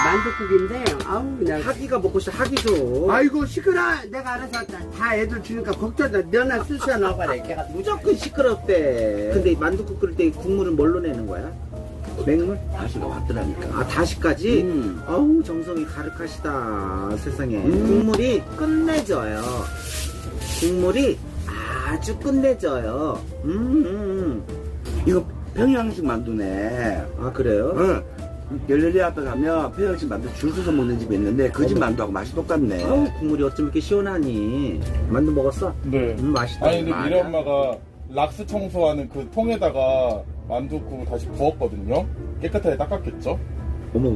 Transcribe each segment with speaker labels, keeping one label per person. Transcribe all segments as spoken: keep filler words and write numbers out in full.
Speaker 1: 만둣국인데 아우 내가
Speaker 2: 하기가 먹고 싶어. 하기 줘.
Speaker 1: 아이고 시끄러. 내가 알아서 다, 다 애들 주니까 걱정돼. 너나 수시야 나가래. 걔가
Speaker 2: 무조건 시끄럽대. 근데 이 만둣국 끓일 때 국물은 뭘로 내는 거야? 맹물?
Speaker 1: 다시가 왔더라니까.
Speaker 2: 아, 다시까지?
Speaker 1: 음.
Speaker 2: 어우, 정성이 가득하시다. 세상에.
Speaker 1: 음.
Speaker 2: 국물이 끝내줘요. 국물이 아주 끝내줘요. 음, 음, 음.
Speaker 1: 이거 평양식 만두네.
Speaker 2: 아, 그래요?
Speaker 1: 응. 열렬히 앞에 가면 평양식 만두 줄 서서 먹는 집이 있는데 그 집 만두하고 맛이 똑같네.
Speaker 2: 어우, 국물이 어쩜 이렇게 시원하니. 만두 먹었어?
Speaker 3: 네.
Speaker 2: 음, 맛있다.
Speaker 3: 아니 근데
Speaker 2: 맞아.
Speaker 3: 미래 엄마가 락스 청소하는 그 통에다가 만둣국을 다시 부었거든요. 깨끗하게 닦았겠죠?
Speaker 2: 어머.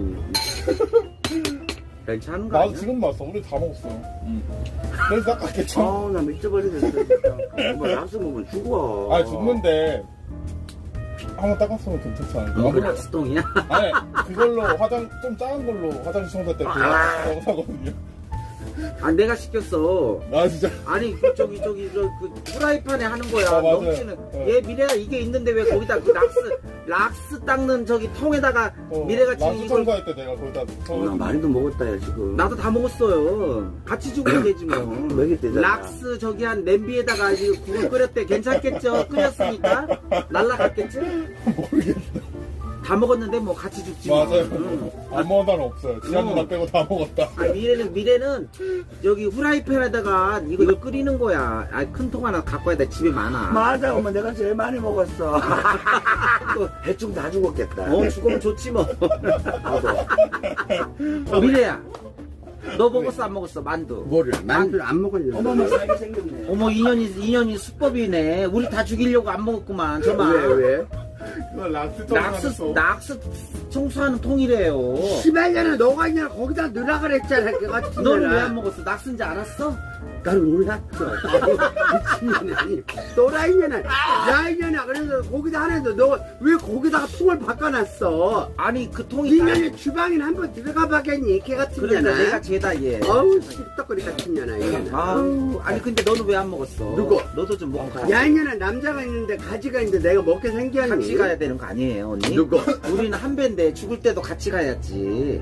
Speaker 2: 괜찮은 거
Speaker 3: 나도
Speaker 2: 아니야?
Speaker 3: 지금 봤어. 우리 다 먹었어요. 그래서 닦았겠죠?
Speaker 1: 아우 나 미쳐버리겠어 진짜. 정말 락스 먹으면 죽어.
Speaker 3: 아 죽는데 한번 닦았으면 괜찮지 않을까?
Speaker 2: 이거 락스똥이야?
Speaker 3: 아니 그걸로 화장 좀 작은 걸로 화장실 청소할 때 그거 아~ 사거든요.
Speaker 2: 아, 내가 시켰어.
Speaker 3: 아 진짜.
Speaker 2: 아니 그 저기 저기 저 그 후라이팬에 하는 거야.
Speaker 3: 아, 맞아요.
Speaker 2: 넘치는.
Speaker 3: 어.
Speaker 2: 얘 미래가 이게 있는데 왜 거기다 그 락스 락스 닦는 저기 통에다가
Speaker 3: 어,
Speaker 2: 미래가 지금
Speaker 3: 락스
Speaker 2: 이걸
Speaker 3: 청소할 때 내가 거기다
Speaker 1: 어, 나 많이도 먹었다 야 지금.
Speaker 2: 나도 다 먹었어요. 같이 주면 되지 뭐.
Speaker 1: 먹였대잖아.
Speaker 2: 락스 저기 한 냄비에다가 이거 국을 끓였대. 괜찮겠죠? 끓였으니까 날라갔겠지?
Speaker 3: 모르겠어.
Speaker 2: 다 먹었는데 뭐 같이 죽지 뭐.
Speaker 3: 맞아요.
Speaker 2: 응.
Speaker 3: 안 먹은 사람 없어요. 지한 누나 빼고 다 먹었다.
Speaker 2: 아, 미래는 미래는 여기 후라이팬에다가 이거 이걸 끓이는 거야. 아, 큰 통 하나 갖고 와야 돼. 집에 많아.
Speaker 1: 맞아 엄마 내가 제일 많이 먹었어. 대충 다 죽었겠다.
Speaker 2: 어, 죽으면 좋지 뭐. 어, 미래야, 너 먹었어 안 먹었어 만두?
Speaker 1: 뭐를? 만두를 안 먹었냐?
Speaker 2: 어머머,
Speaker 1: 싸게 생겼네.
Speaker 2: 어머 인연이 인연이 수법이네. 우리 다 죽이려고 안 먹었구만. 저만.
Speaker 1: 왜 왜?
Speaker 3: 이거 락스
Speaker 2: 낙스
Speaker 3: 청소하는
Speaker 2: 낙스 청소하는 통이래요.
Speaker 1: 십팔 년에 너가 그냥 거기다 넣으라 그랬잖아. 그 같은
Speaker 2: 너는 왜 안 먹었어? 낙스인지 알았어?
Speaker 1: 난 몰랐어. 미친년이 아니. 또라이년아. 야이년아. 그래서 거기다 하는데 너가 왜 거기다가 통을 바꿔놨어?
Speaker 2: 아니 그 통이
Speaker 1: 이년이 주방에 한번 들어가 봐겠니? 걔 같은
Speaker 2: 그러니까
Speaker 1: 년아.
Speaker 2: 내가 죄다 얘.
Speaker 1: 어우 씹떡거리 같은 년아 이년아.
Speaker 2: 아우, 아니 근데 너는 왜 안 먹었어?
Speaker 1: 누구?
Speaker 2: 너도 좀 먹고 가.
Speaker 1: 야 이년아 남자가 있는데 가지가 있는데 내가 먹게 생겼니?
Speaker 2: 같이 가야 되는 거 아니에요, 언니?
Speaker 1: 누구?
Speaker 2: 우리는 한 배인데 죽을 때도 같이 가야지.